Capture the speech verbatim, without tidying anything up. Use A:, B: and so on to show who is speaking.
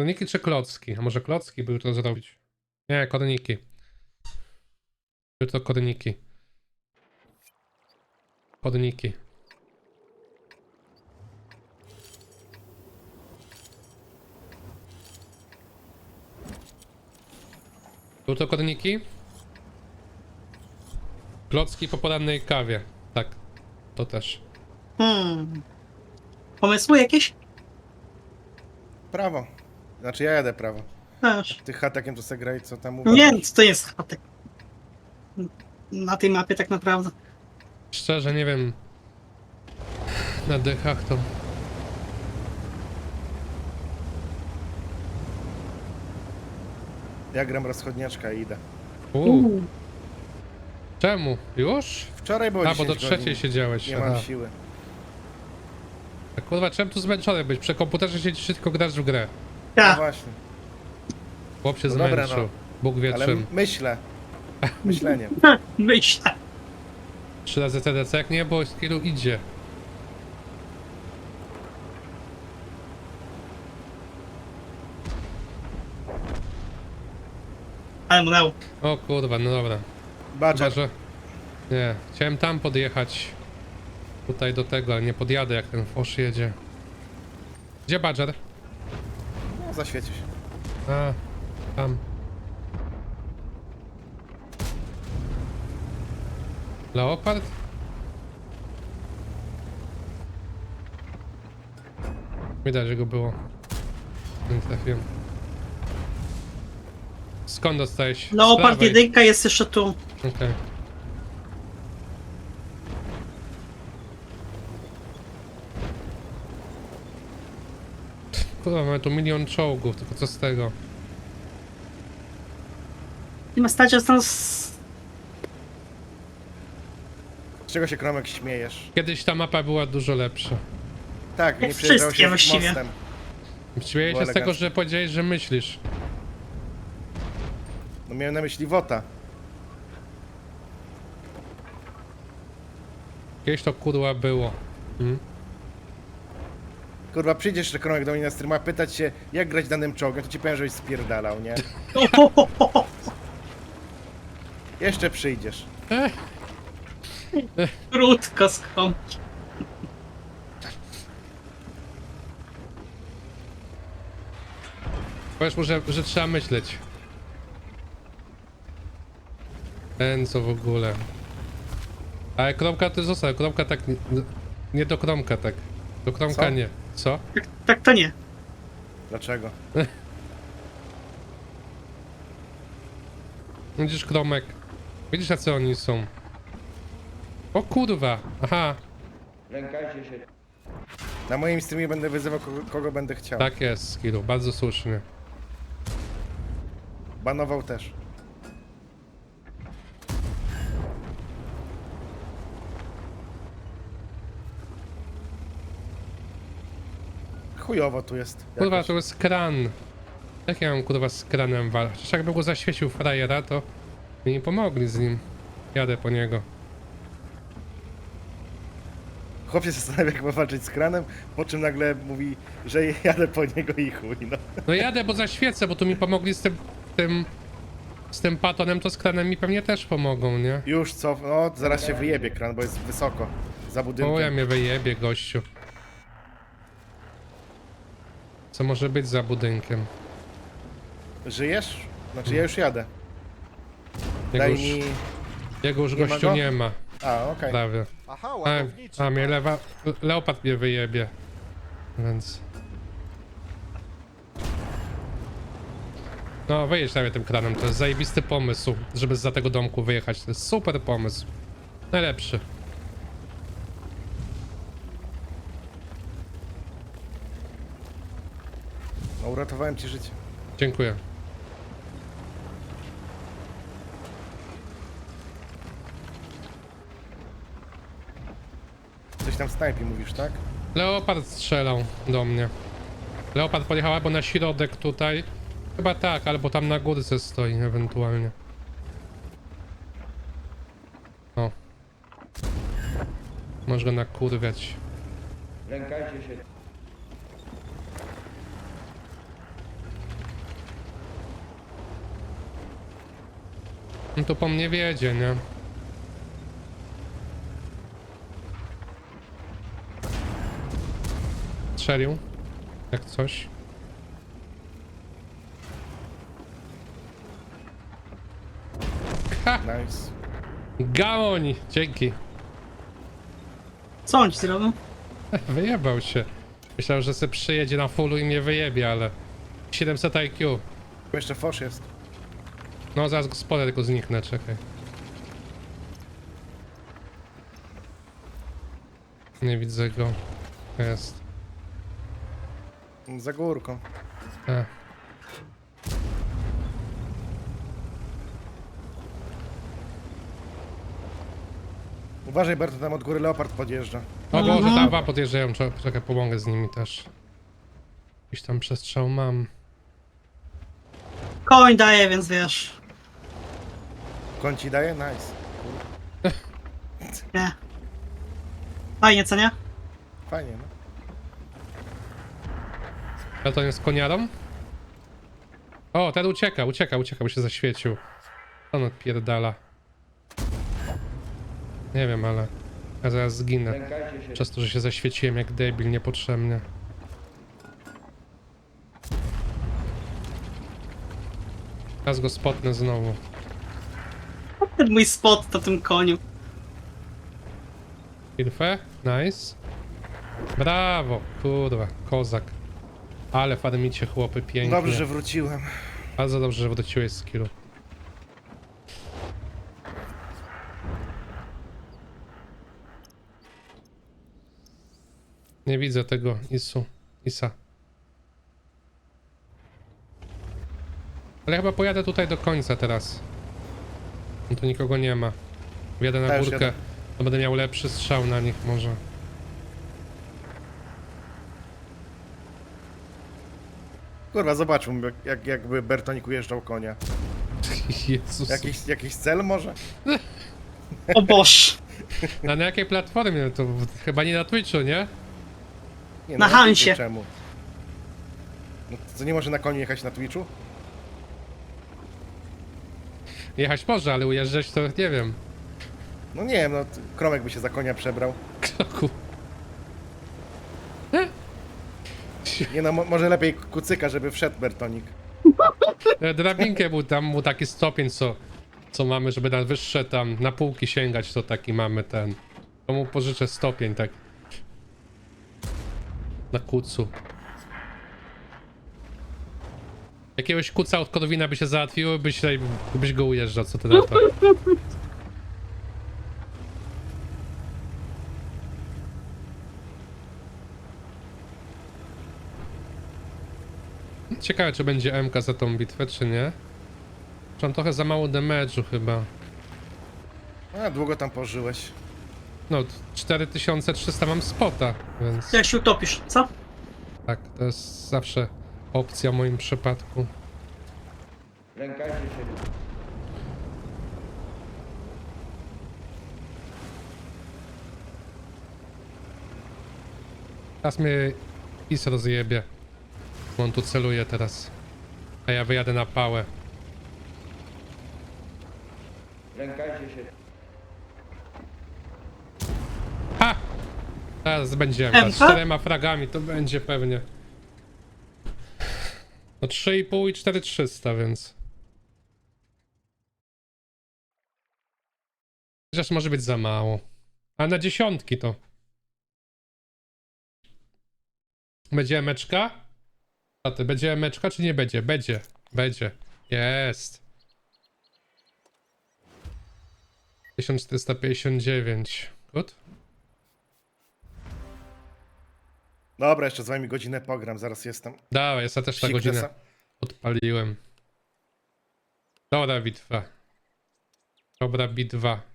A: Korniki czy klocki? A może klocki by to zrobić? Nie, korniki. By to korniki. Korniki. Były to korniki? Klocki po porannej kawie. Tak, to też.
B: Hmm. Pomysły jakieś?
C: Prawo. Znaczy ja jadę prawo.
B: Też.
C: Ty hatakiem to se graj, co tam mówisz.
B: Nie, to jest chatek. Na tej mapie tak naprawdę.
A: Szczerze nie wiem. Na dechach to...
C: Ja gram rozchodniaczka i idę.
A: Uuu. Czemu? Już?
C: Wczoraj było
A: A, bo
C: dziesięć
A: do
C: godzin.
A: trzeciej siedziałeś.
C: Nie
A: Aha.
C: mam siły.
A: A kurwa, czemu tu zmęczony być? Przy komputerze siedzisz, tylko grasz w grę.
C: No
B: Ja,
C: właśnie.
A: Chłop się
C: No dobra,
A: zmęczył.
C: no.
A: Bóg wie
C: Ale
A: czym.
C: m- myślę. Myśleniem.
B: myślę.
A: Trzy razy C D C, jak nie, bo skillu idzie.
B: Ale mnęło.
A: O kurwa, no dobra. Chyba,
C: Badger.
A: że... Nie, chciałem tam podjechać. Tutaj do tego, ale nie podjadę, jak ten Fosz jedzie. Gdzie Badger?
C: No, zaświeci się.
A: A, tam. Leopard? Widać, że go było. Nie trafiłem. Skąd dostałeś? Z
B: Leopard
A: prawej.
B: jedynka jest jeszcze tu.
A: Okej. Kurwa, mamy tu milion czołgów, tylko co z tego?
B: Nie ma stać, że tam z...
C: Z czego się Kromek śmiejesz?
A: Kiedyś ta mapa była dużo lepsza.
C: Tak,
B: Jak
C: nie przejeżdżał
B: wszystkie
C: się
B: właściwie.
C: mostem.
A: Śmieję
C: Było
A: się z tego,
C: elegancko.
A: że powiedziałeś, że myślisz.
C: No miałem na myśli Wota.
A: Kiedyś to kurwa było. Hmm?
C: Kurwa, przyjdziesz że Kromek do mnie na streama pytać się, jak grać danym czołgiem, to ci powiem, żebyś spierdalał, nie? Jeszcze przyjdziesz.
A: Ech,
B: Krótko skąd.
A: powiesz mu, że, że trzeba myśleć. Ten co w ogóle. Ale kromka to została, kromka tak... Nie, nie do kromka tak. Do kromka
C: Co?
A: nie. Co?
B: Tak, tak to nie.
C: Dlaczego?
A: Widzisz kromek. Widzisz jacy oni są. O kurwa. Aha.
D: Lękajcie się.
C: Na moim streamie będę wyzywał kogo, kogo będę chciał.
A: Tak jest, Skidu. Bardzo słusznie.
C: Banował też. Chujowo tu jest.
A: Kurwa,
C: jakoś.
A: to jest kran. Jak ja mam kurwa z kranem walczyć? Chociaż jakby go zaświecił frajera, to mi nie pomogli z nim. Jadę po niego.
C: Chłop się zastanawia, jak ma walczyć z kranem, po czym nagle mówi, że jadę po niego i chuj, no.
A: No jadę, bo zaświecę, bo tu mi pomogli z tym... tym... z tym patonem, to z kranem mi pewnie też pomogą, nie?
C: Już co? No, zaraz się wyjebie kran, bo jest wysoko. Za budynkiem.
A: O, ja mnie wyjebie, gościu. Co może być za budynkiem?
C: Żyjesz? Znaczy ja już jadę.
A: Jego
C: Daj
A: już,
C: mi...
A: jego już
C: nie ma
A: gościu
C: go?
A: nie ma,
C: A, okej.
A: prawie.
E: Aha,
A: A,
E: ładowniczy.
A: a mnie lewa... Leopard mnie wyjebie. Więc... No, wyjedź sobie tym kranem, to jest zajebisty pomysł, żeby za tego domku wyjechać. To jest super pomysł. Najlepszy.
C: No, uratowałem ci życie.
A: Dziękuję.
C: Coś tam snajpi mówisz, tak?
A: Leopard strzelał do mnie. Leopard pojechał albo na środek tutaj. Chyba tak, albo tam na górce stoi ewentualnie. O. Może go nakurwiać.
D: Lękajcie się.
A: No tu po mnie wiedzie, nie? Strzelił. Jak coś. Ha!
C: Nice.
A: Gamoń! Dzięki.
B: Co on ci zrobił?
A: Wyjebał się. Myślałem, że se przyjedzie na fullu i mnie wyjebie, ale... siedemset I Q.
C: Tu jeszcze fosz jest.
A: No zaraz go spolę, tylko zniknę, czekaj. Nie widzę go. Jest.
C: Za górką.
A: E.
C: Uważaj, Berto, tam od góry leopard podjeżdża.
A: O Boże,
B: Mhm.
A: tam dwa podjeżdżają, czekaj, czekaj, pomogę z nimi też. Jakiś tam przestrzał mam.
B: Koń daje, więc wiesz.
C: Koń ci daje? Nice.
B: Nie. Fajnie, co nie?
C: Fajnie, no.
A: A to nie z koniarą? O, ten ucieka, ucieka, ucieka, bo się zaświecił. On odpierdala. Nie wiem, ale... Ja zaraz zginę.
D: Lękajcie się.
A: Przez to, że się zaświeciłem jak debil niepotrzebnie. Teraz go spotnę znowu.
B: Ten mój spot to tym koniu.
A: Kilfę? Nice. Brawo, kurwa, kozak. Ale farmicie chłopy pięknie.
C: Dobrze, że wróciłem.
A: Bardzo dobrze, że wróciłeś z killu. Nie widzę tego Isu. Isa. Ale chyba pojadę tutaj do końca teraz. No tu nikogo nie ma. Wjadę na
C: Też
A: górkę,
C: jadę.
A: to będę miał lepszy strzał na nich może.
C: Kurwa, zobaczmy, jak, jak, jakby Bertonik ujeżdżał konia.
A: Jezus.
C: Jakiś, jakiś cel może?
B: O Boż.
A: A na jakiej platformie? To chyba nie na Twitchu, nie?
C: Nie,
B: Na
C: no, Twitchu
B: Hansie.
C: Czemu? No, co, nie może na koniu jechać na Twitchu?
A: Jechać może, ale ujeżdżać to nie wiem.
C: No nie wiem, no, t- Kromek by się za konia przebrał.
A: Kroku.
C: Nie no, mo- może lepiej kucyka, żeby wszedł Bertonik.
A: E, Drabinkę był tam, był taki stopień, co, co mamy, żeby na wyższe tam, na półki sięgać, to taki mamy ten. To mu pożyczę stopień, tak. Na kucu. Jakiegoś kuca od Korwina by się załatwiło, byś, tutaj- byś go ujeżdżał, co ty na to? Ciekawe, czy będzie M K za tą bitwę, czy nie. Czy mam trochę za mało damage'u chyba.
C: A, długo tam pożyłeś.
A: No, cztery tysiące trzysta mam spota, więc
B: Jak się utopisz, co?
A: tak, to jest zawsze opcja w moim przypadku.
D: Lękajcie się.
A: Teraz mnie Is rozjebie. Bo on tu celuje teraz. A ja wyjadę na pałę.
D: Lękajcie się.
A: Ha! Teraz będzie M K. Z
B: M K?
A: czterema fragami to będzie pewnie. No trzy i pół i cztery trzysta, więc... Chociaż może być za mało. A na dziesiątki to... Będzie emeczka? A ty, będzie emeczka czy nie będzie? Będzie. Będzie. Jest. tysiąc czterysta pięćdziesiąt dziewięć. Good?
C: Dobra, jeszcze z wami godzinę pogram, zaraz jestem.
A: Dawaj, ja też ta
C: Psik
A: godzinę
C: desa.
A: odpaliłem. Dobra bitwa. Dobra bitwa.